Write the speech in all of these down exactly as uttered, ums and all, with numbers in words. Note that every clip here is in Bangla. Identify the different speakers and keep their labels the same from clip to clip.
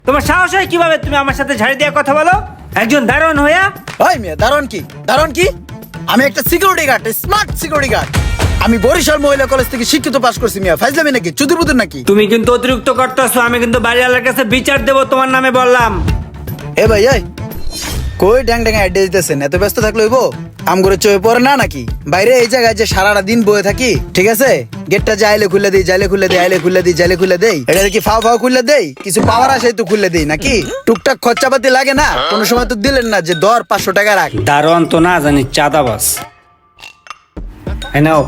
Speaker 1: তোমার সাহস হয় কিভাবে তুমি আমার সাথে ঝাড়ি দিয়ে কথা বলো? একজন দারোয়ান হইয়া?
Speaker 2: ওই মিয়া দারোয়ান কি দারোয়ান কি আমি একটা security guard, smart security guard. আমি বরিশাল মহিলা কলেজ থেকে শিক্ষিত পাস করছি মিয়া। ফাইজলামি নাকি, চুদুর বুদুর নাকি?
Speaker 1: তুমি কিন্তু অতিরিক্ত করতেছো। আমি কিন্তু বাড়িওয়ালার কাছে বিচার দেবো তোমার নামে বললাম।
Speaker 2: এ ভাই এই কই ড্যাং ড্যাং অ্যাড্রেস দিতেছেন? এত ব্যস্ত থাকলে হইব? আম করে চয়ে পড়ে না নাকি? বাইরে এই জায়গায় যে সারাটা দিন বয়ে থাকি, ঠিক আছে? গেটটা যাইলে খুলে দিই, যাইলে খুলে দিই, আইলে খুলে দিই, যাইলে খুলে দেই। এটা কি ফাও ফাও খুলে দেই? কিছু পাওয়ার আসে তো খুলে দিই নাকি? টুকটাক খরচাপাতি লাগে না? কোনো সময় তো দিলেন না যে দর পাঁচশো টাকা রাখ।
Speaker 1: দারোয়ান তো না জানি চাঁদাবাজ। এই নাও।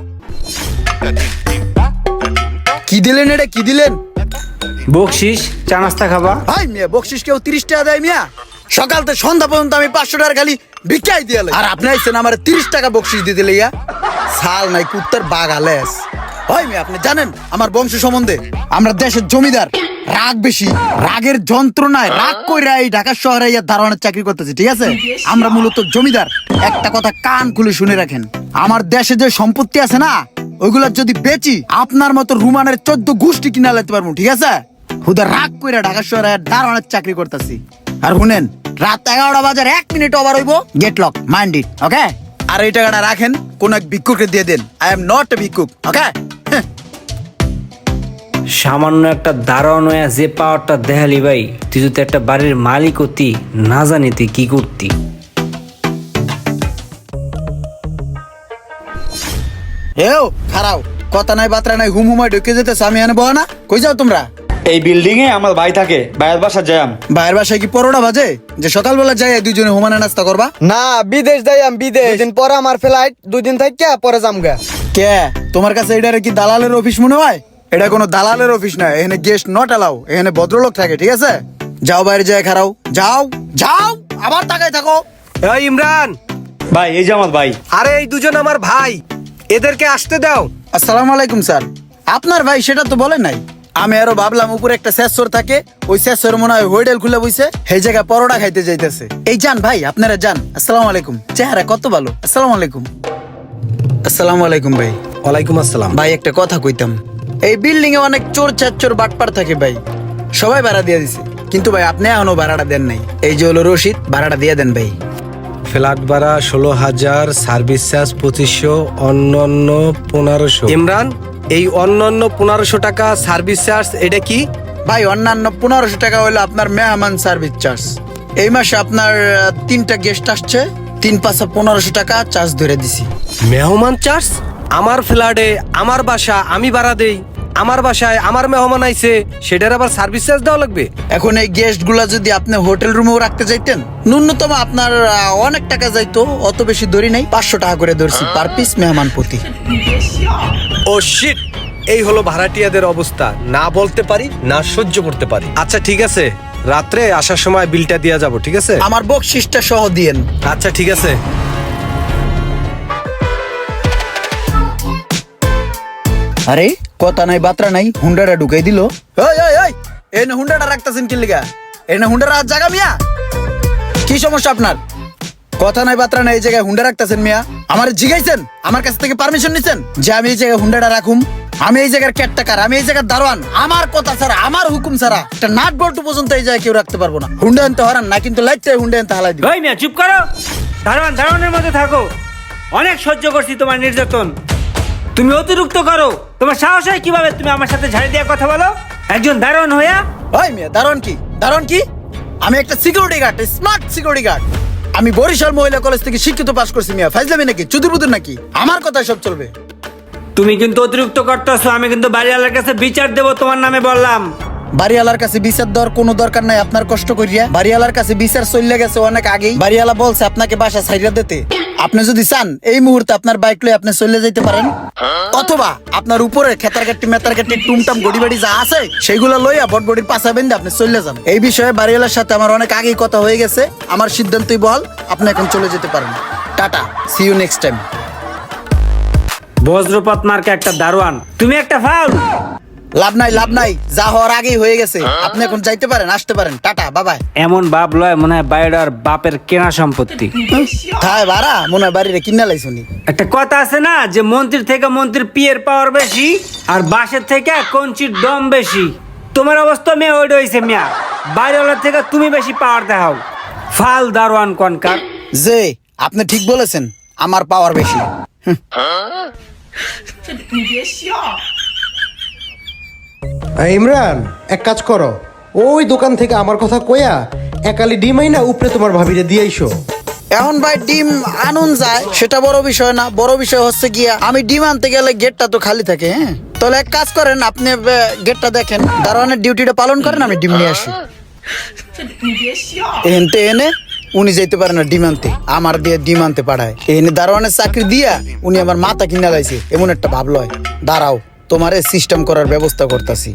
Speaker 2: কি দিলেন এটা, কি দিলেন?
Speaker 1: বকশিস, চা নাস্তা খাবা?
Speaker 2: ভাই মিয়া বকশিস কেউ তিরিশ টাকা দেয় মিয়া? সকাল থেকে সন্ধ্যা পর্যন্ত আমি পাঁচশো টাকা খালি ভিক্ষাই দিয়ে লাই। আর আপনি আইছেন আমার তিরিশ টাকা বকশিস দিতে লইয়া? সাল নাই কুত্তার বাঘ আলেস। ভাই মিয়া আপনি জানেন আমার বংশ সম্বন্ধে? আমরা দেশের জমিদার, রাগ বেশি, রাগের যন্ত্রণায় রাগ কইরা এই ঢাকা শহরে ইয়া দারোয়ানের চাকরি করতেছি, ঠিক আছে? আমরা মূলত জমিদার। একটা কথা কান খুলে শুনে রাখেন, আমার দেশে যে সম্পত্তি আছে না, ওইগুলা যদি বেচি আপনার মতো রুমানের চোদ্দ গোষ্ঠী কিনা লাইতে পারবো, ঠিক আছে? হুদা রাগ কইরা ঢাকা শহরে দারোয়ানের চাকরি করতেছি। আর শুনেন, রাত এগারোটা বাজার এক মিনিট ওভার হইব, gate lock, mind it, okay? আর এই টাকাটা রাখেন, কোন এক ভিক্ষুককে দিয়ে দেন। আই এম নট এ ভিক্ষুক, ওকে?
Speaker 1: সামান্য একটা দারোয়ান হইয়া যে পাওয়ারটা দেখালি ভাই, তুই যদি একটা বাড়ির মালিক হতি, না জানি তুই কি করতি।
Speaker 2: এও খারাও, কথা নাই বাত্রা নাই, হুম হুমায় ঢুকে যেতেছে। আমি এনে বহ না, কই যাও তোমরা?
Speaker 3: এই বিল্ডিং এ আমার ভাই থাকে, ভাইয়ের বাসা যাম।
Speaker 2: বাইরের বাসায় কি পরোটা বাজে যে সকালবেলা যাই দুইজনে হুমানে নাস্তা করবা?
Speaker 4: না, বিদেশ যাই আমি, বিদেশ। দুদিন পরে আমার ফ্লাইট, দুই দিন থাকি পরে যামগা।
Speaker 2: কে তোমার কাছে এটা কি দালালের অফিস মনে হয়? এটা কোনো দালালের অফিস না, এখানে গেস্ট নট অ্যালাউ। এখানে ভদ্রলোক থাকে, ঠিক আছে? যাও বাইরে যায় খারাও, যাও যাও, আবার তাকায় থাকো।
Speaker 5: এই ইমরান,
Speaker 3: ভাই এই যে আমার ভাই।
Speaker 5: আরে এই দুজন আমার ভাই, এদেরকে আসতে দাও।
Speaker 2: আসসালামু আলাইকুম স্যার। আপনার ভাই সেটা তো বলেন নাই। আমি আরো ভাবলাম উপরে একটা সেসর থাকে, ওই সেসর মনে হয় হোটেল খুলে বইছে, সেই জায়গায় পরোটা খাইতে যাইতেছে। এই যান ভাই, আপনারা যান। আসসালামু আলাইকুম। চেহারা কত ভালো। আসসালামু আলাইকুম। আসসালামু আলাইকুম ভাই।
Speaker 5: ওয়ালাইকুম আসসালাম।
Speaker 2: ভাই একটা কথা কইতাম, এই বিল্ডিং এ অনেক চোর চাচ্চোর বাটপার থাকে ভাই, সবাই ভাড়া দিয়ে দিছে, কিন্তু ভাই আপনি এখনো ভাড়াটা দেন নাই। এই যে হলো রশিদ, ভাড়াটা দিয়ে দেন ভাই।
Speaker 5: ফ্ল্যাট ভাড়া ষোলো হাজার, সার্ভিস চার্জ পঁচিশশো, অন্যান্য পনেরোশো। ইমরান, এই অন্যান্য পনেরোশো টাকা সার্ভিস চার্জ এটা কি?
Speaker 2: ভাই অন্যান্য পনেরোশো টাকা হলো আপনার মেহমান সার্ভিস চার্জ। এই মাসে আপনার আহ, তিনটা গেস্ট আসছে, তিন পাঁচশো পনেরোশো টাকা চার্জ ধরে দিছি।
Speaker 5: মেহমান চার্জ? আমার ফ্ল্যাটে আমার বাসা, আমি ভাড়া দেই, আমার বাসায় আমার মেহমান আইছে, সেটার আবার সার্ভিস চার্জ দেওয়া লাগবে?
Speaker 2: এখন এই গেস্ট গুলা যদি আপনি হোটেল রুমেও রাখতে চাইতেন, ন্যূনতম আপনার আহ, অনেক টাকা যাইতো। অত বেশি ধরি নাই, পাঁচশো টাকা করে ধরছি পার পিস মেহমান প্রতি।
Speaker 5: ও শিট, এই হলো ভাড়াটিয়াদের অবস্থা। না বলতে পারি, না সহ্য করতে পারি। আচ্ছা ঠিক আছে, রাত্রে আসার সময় বিলটা দিয়ে যাব, ঠিক আছে?
Speaker 2: আমার বকশিসটা সহ দিয়েন।
Speaker 5: আচ্ছা ঠিক আছে।
Speaker 2: আরে কথা নাই বাত্রা নাই, হুন্ডাটা ঢুকাই দিল। ওই ওই ওই, এই না হুন্ডাটা রাখতেছেন কি লিগা? এই না হুন্ডার হাত জাগা মিয়া, কি সমস্যা আপনার? কথা নাই বাত্রা নাই, এই জায়গায় হুন্ডা রাখতেছেন মিয়া? আমার জিগাইছেন, আমার কাছ থেকে পারমিশন নিছেন যে আমি এই জায়গায় হুন্ডাটা রাখুম? আমি এই জায়গার কেটটাকার, আমি এই জায়গার দারোয়ান। আমার কথা ছাড়া, আমার হুকুম ছাড়া একটা নাট বল্টু পর্যন্ত এই জায়গায় কেউ রাখতে পারবো না। হুন্ডা আনতে হরান না, কিন্তু লাইটটা হুন্ডা আনতে হালাই দিবে।
Speaker 1: ওই মিয়া চুপ করো। দারোয়ান দারোয়ানের মধ্যে থাকো। অনেক সহ্য করছি তোমার নির্যাতন, তুমি অতিরিক্ত করো। তোমার সাহস হয় কিভাবে তুমি আমার সাথে ঝাড়ি দিয়ে কথা বলো? একজন দারোয়ান হইয়া?
Speaker 2: ওই মিয়া দারোয়ান কি দারোয়ান কি আমি একটা security guard, smart security guard. আমি বরিশাল মহিলা কলেজ থেকে শিক্ষিত পাস করছি মিয়া। ফাইজলামি নাকি, চুদুর বুদুর নাকি? আমার কথাই সব চলবে।
Speaker 1: তুমি কিন্তু অতিরিক্ত করতেছো। আমি কিন্তু বাড়িওয়ালার কাছে বিচার দেবো তোমার নামে বললাম।
Speaker 2: বাড়িওয়ালার কাছে বিচার দেওয়ার কোনো দরকার নাই আপনার কষ্ট করিয়া। বাড়িওয়ালার কাছে বিচার চলে গেছে অনেক আগেই। বাড়িওয়ালা বলছে আপনাকে বাসা ছাইড়া দিতে। আপনি যদি চান এই মুহূর্তে আপনার বাইক লয়ে আপনি চলে যেতে পারেন, অথবা আপনার উপরে খেতার কাটি মেতার কাটি টুমটাম গড়ি বাড়ি যা আছে সেগুলো লইয়া বটবডির পাশা বেঁধে আপনি চলে যান। এই বিষয়ে বাড়িওয়ালার সাথে আমার অনেক আগেই কথা হয়ে গেছে। আমার সিদ্ধান্তই বল, আপনি এখন চলে যেতে পারেন। টাটা, সি ইউ নেক্সট টাইম।
Speaker 1: বজ্রপাত মার্কা একটা দারোয়ান, তুমি একটা ফাউল।
Speaker 2: লাভ নাই লাভ নাই, যা হওয়ার আগেই হয়ে গেছে। আপনি এখন যাইতে পারেন, আসতে পারেন। টাটা, বাবাই।
Speaker 1: এমন বাপ লয় মনে হয় বাইরের বাপের কেনা সম্পত্তি।
Speaker 2: খায় ভাড়া মনে হয় বাড়িরে কিনা লাইছুনি।
Speaker 1: একটা কথা আছে না যে মন্ত্রীর থেকে মন্ত্রীর পিয়ের পাওয়ার বেশি, আর বাসের থেকে কঞ্চির দম বেশি। তোমার অবস্থা মেয়ে ওইটা হয়েছে মিয়া, বাইরেওয়ালার থেকে তুমি বেশি পাওয়ার দেখাও। ফাল দারোয়ান কনকার।
Speaker 2: যে আপনি ঠিক বলেছেন, আমার পাওয়ার বেশি।
Speaker 6: এই ইমরান, এক কাজ করো, ওই দোকান থেকে আমার কথা কয়া একালি ডিম আইনা উপরে তোমার ভাবিরে দিয়ে আইসো।
Speaker 2: এখন ভাই ডিম আনুন যায় সেটা বড় বিষয় না, বড় বিষয় হচ্ছে গিয়া আমি ডিম আনতে গেলে গেটটা তো খালি থাকে। হ্যাঁ, তাহলে এক কাজ করেন, আপনি আহ, গেটটা দেখেন, দারোয়ানের ডিউটিটা পালন করেন, আমি ডিম নিয়ে আসি। এনতে এনে উনি যেতে পারে না ডিম আনতে, আমার দিয়ে ডিম আনতে পাঠায়। এনে দারোয়ানের চাকরি দিয়া উনি আমার মাথা কিনা লাইছে, এমন একটা ভাব লয়। দাঁড়াও, তোমারে সিস্টেম করার ব্যবস্থা করতেছি।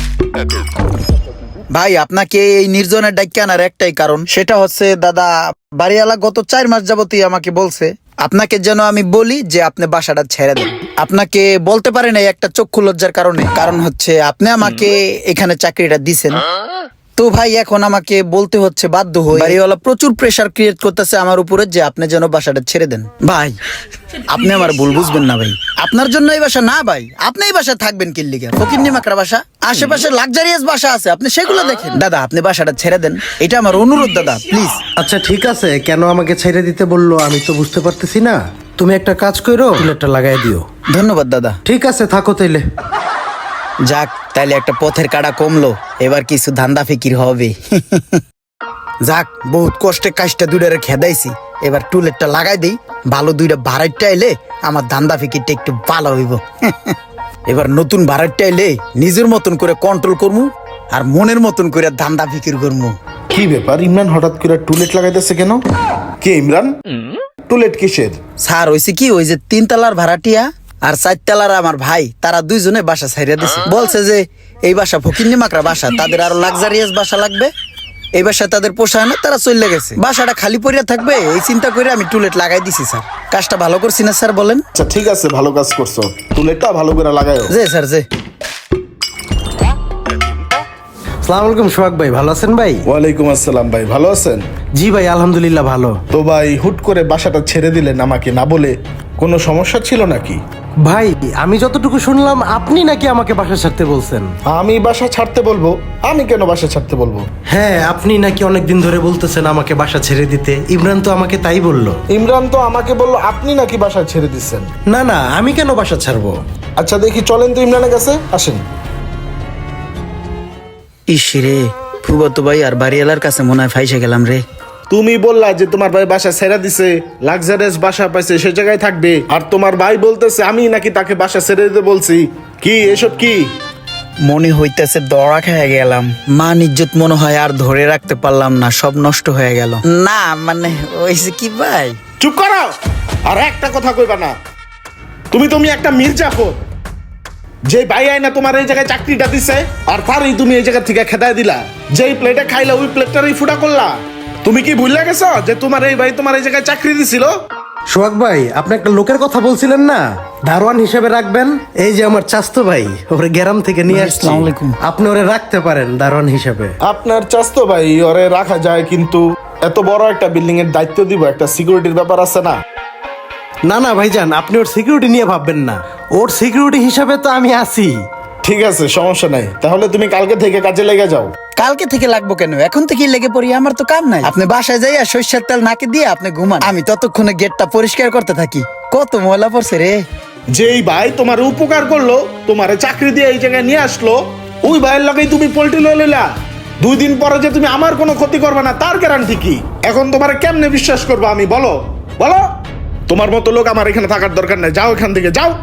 Speaker 2: ভাই আপনাকে এই নির্জনের ডাক্কে আনার একটাই কারণ, সেটা হচ্ছে দাদা বাড়িওয়ালা গত চার মাস যাবতই আমাকে বলছে আপনাকে যেন আমি বলি যে আপনি বাসাটা ছেড়ে দেন। আপনাকে বলতে পারেন এই একটা চক্ষু লজ্জার কারণে, কারণ হচ্ছে আপনি আমাকে এখানে চাকরিটা দিছেন। তো ভাই এখন আমাকে বলতে হচ্ছে বাধ্য হয়ে, বাড়িওয়ালা প্রচুর প্রেসার ক্রিয়েট করতেছে আমার উপরে যে আপনি যেন বাসাটা ছেড়ে দেন। ভাই আপনি আমার ভুল বুঝবেন না ভাই, আপনার জন্য এই বাসা না ভাই, আপনি এই বাসায় থাকবেন কি লিগা? ফকিন্নি মাকড়া বাসা, আশেপাশে লাক্সারিয়াস বাসা আছে, আপনি সেগুলো দেখেন। দাদা আপনি বাসাটা ছেড়ে দেন, এটা আমার অনুরোধ দাদা, প্লিজ।
Speaker 6: আচ্ছা ঠিক আছে, কেন আমাকে ছেড়ে দিতে বললো আমি তো বুঝতে পারতেছি না। তুমি একটা কাজ করো, প্লেটটা লাগাই দিও।
Speaker 2: ধন্যবাদ দাদা।
Speaker 6: ঠিক আছে, থাকো তাইলে।
Speaker 2: যাক, তাইলে একটা পথের কাটা কমলো, এবার কিছু ধান্দা ফিকির হবে। যাক, বহুত কষ্টে কাজটা দুইটারে খেদাইছি, এবার টুলেটটা লাগাই দেই, ভালো দুইটা ভাড়াইটা এলে আমার ধান্দা ফিকিরটা একটু ভালো হইব। এবার নতুন ভাড়াইটা এলে নিজের মতন করে কন্ট্রোল করমু, আর মনের মতন করে ধান্দা ফিকির করমু।
Speaker 7: কি ব্যাপার, ইমরান হঠাৎ করে টুলেট লাগাইতেছে কেন? কে ইমরান? টুলেট কিসের?
Speaker 2: স্যার হয়েছে কি, ওই যে তিন তলার ভাড়াটিয়া আর চার তলার আমার ভাই, তারা দুইজনে বাসা ছাইড়া দিছে। বলছে যে এই বাসা ফকিন্নি মাকড়া বাসা, তাদের আরো লাক্সারিয়াস বাসা লাগবে, এই বাসা তাদের পোষায় না, তারা চলে গেছে। বাসাটা খালি পড়িয়া থাকবে এই চিন্তা করে আমি টুলেট লাগাই দিছি। স্যার কাজটা ভালো করছি না স্যার বলেন?
Speaker 7: আচ্ছা ঠিক আছে, ভালো কাজ করছো, টুলেটটা ভালো করে লাগায়ো।
Speaker 2: জি স্যার, জি।
Speaker 6: আসসালামু আলাইকুম সোহাগ ভাই, ভালো আছেন ভাই?
Speaker 7: ওয়ালাইকুম আসসালাম ভাই, ভালো আছেন?
Speaker 6: জি ভাই, আলহামদুলিল্লাহ ভালো।
Speaker 7: তো ভাই হুট করে বাসাটা ছেড়ে দিলেন আমাকে না বলে, কোনো সমস্যা ছিল নাকি?
Speaker 6: ভাই আমি যতটুকু শুনলাম আপনি নাকি আমাকে বাসা ছাড়তে বলছেন।
Speaker 7: আমি বাসা ছাড়তে বলবো? আমি কেন বাসা ছাড়তে বলবো?
Speaker 6: হ্যাঁ, আপনি নাকি অনেকদিন ধরে বলতেছেন আমাকে বাসা ছেড়ে দিতে। ইমরান তো আমাকে তাই বললো।
Speaker 7: ইমরান তো আমাকে বললো আপনি নাকি বাসা ছেড়ে দিচ্ছেন।
Speaker 6: না না, আমি কেন বাসা ছাড়বো?
Speaker 7: আচ্ছা দেখি, চলেন তো ইমরানের কাছে, আসেন।
Speaker 2: ইস রে, ফুবাতো ভাই আর বাড়িওয়ালার কাছে মনে হয় ফাইসে গেলাম রে।
Speaker 7: তুমি বললা যে তোমার ভাই বাসা ছেড়ে দিছে, লাক্সারিয়াস বাসা পাইছে, সে জায়গায় থাকবে, আর তোমার ভাই বলতেছে আমি নাকি তাকে বাসা ছেড়ে দিতে বলছি। কি এসব কি?
Speaker 2: মনে হইতেছে দড়া খেয়ে গেলাম, মান ইজ্জত মনে হয় আর ধরে রাখতে পারলাম না, সব নষ্ট হয়ে গেল। না মানে ওইছে কি ভাই।
Speaker 7: চুপ করো, আর একটা কথা কইবা না। তুমি তুমি একটা মির্জাফর, যে ভাই আইনা তোমার এই জায়গায় চাকরিটা দিছে, আর তারই তুমি এই জায়গা থেকে খেদায় দিলা। যেই প্লেটে খাইলা ওই প্লেটটারই ফুটা করলা। তুমি কি ভুলে গেছো যে তোমার এই ভাই তোমার এই জায়গায় চাকরি দিছিল?
Speaker 6: সোহাগ ভাই, আপনি একটা লোকের কথা বলছিলেন না, দারোয়ান হিসেবে রাখবেন। এই যে আমার চাস্তো ভাই, ওরে গ্রাম থেকে নিয়ে আসছি,
Speaker 2: আসসালামু আলাইকুম।
Speaker 6: আপনি ওরে রাখতে পারেন দারোয়ান হিসেবে।
Speaker 7: আপনার চাস্তো ভাই ওরে রাখা যায়, কিন্তু এত বড় একটা বিল্ডিং এর দায়িত্ব দিব, একটা সিকিউরিটির ব্যাপার আছে না?
Speaker 6: না না ভাইজান, আপনি ওর সিকিউরিটি নিয়ে ভাববেন না, ওর সিকিউরিটি হিসাবে তো আমি আছি।
Speaker 7: ঠিক আছে, সমস্যা নাই, তাহলে তুমি কালকে থেকে কাজে লেগে যাও।
Speaker 2: কালকে থেকে লাগবো কেন, এখন থেকেই লেগে পড়ি, আমার তো কাম নাই। আপনি বাসায় যাইয়া সরিষার তেল নাকে দিয়ে আপনি ঘুমান, আমি ততক্ষণে গেটটা পরিষ্কার করতে থাকি। কত ময়লা পড়ছে রে।
Speaker 7: যেই ভাই তোমার উপকার করলো, তোমার চাকরি দিয়ে এই জায়গায় নিয়ে আসলো, ওই ভাইয়ের লগেই তুমি পোল্ট্রি লয়ে লইলা। দুই দিন পরে যে তুমি আমার কোনো ক্ষতি করবে না তার গ্যারান্টি কি? এখন তোমার কেমনে বিশ্বাস করবো আমি, বলো বলো? তোমার মতো লোক আমার এখানে থাকার দরকার নাই, যাও এখান থেকে যাও।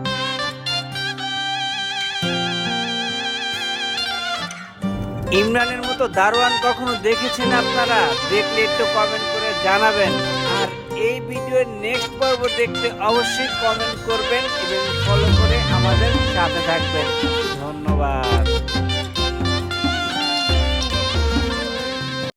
Speaker 1: ইমরানের মতো দারোয়ান কখনো দেখেছেন আপনারা? দেখলে একটু কমেন্ট করে জানাবেন, আর এই ভিডিওর নেক্সট পর্ব দেখতে অবশ্যই কমেন্ট করবেন এবং ফলো করে আমাদের সাথে থাকবেন। ধন্যবাদ।